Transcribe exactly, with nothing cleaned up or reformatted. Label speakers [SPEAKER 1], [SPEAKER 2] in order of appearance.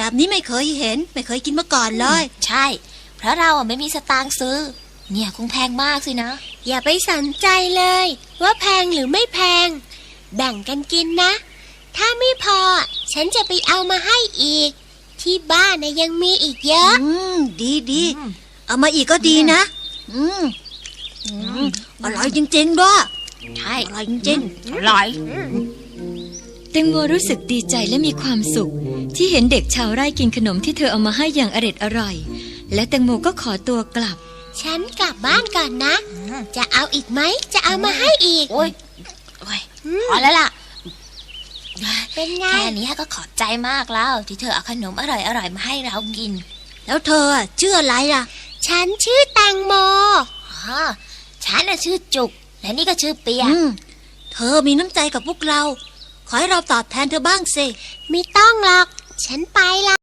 [SPEAKER 1] แบบนี้ไม่เคยเห็นไม่เคยกินมาก่อนเลย
[SPEAKER 2] ใช่เพราะเราอ่ะไม่มีสตางค์ซื้อเนี่ยคงแพงมากสินะ
[SPEAKER 3] อย่าไปสนใจเลยว่าแพงหรือไม่แพงแบ่งกันกินนะถ้าไม่พอฉันจะไปเอามาให้อีกที่บ้านนะยังมีอีกเยอะ
[SPEAKER 1] อืมดีดีเอามาอีกก็ดีนะอืมอร่อยจริงๆด้วย
[SPEAKER 2] ใช่
[SPEAKER 1] อร่อยจริง
[SPEAKER 2] ๆอร่อย
[SPEAKER 4] แตงโมรู้สึกดีใจและมีความสุขที่เห็นเด็กชาวไร่กินขนมที่เธอเอามาให้อย่างอร็ดอร่อยและแตงโมก็ขอตัวกลับ
[SPEAKER 3] ฉันกลับบ้านก่อนนะจะเอาอีกไหมจะเอามาให้อีก
[SPEAKER 2] โอ้ยโอ้ยพอแล้วล่ะ
[SPEAKER 3] เป็นไง
[SPEAKER 2] แค่นี้ก็ขอบใจมากแล้วที่เธอเอาขนมอร่อยๆมาให้เรากิน
[SPEAKER 1] แล้วเธอชื่ออะไรล่ะ
[SPEAKER 3] ฉันชื่อแตงโม
[SPEAKER 2] อ๋อฉันน่ะชื่อจุกและนี่ก็ชื่อเปีย
[SPEAKER 1] เธอมีน้ำใจกับพวกเราขอให้เราตอบแทนเธอบ้างสิ
[SPEAKER 3] ไม่ต้องหรอกฉันไปละ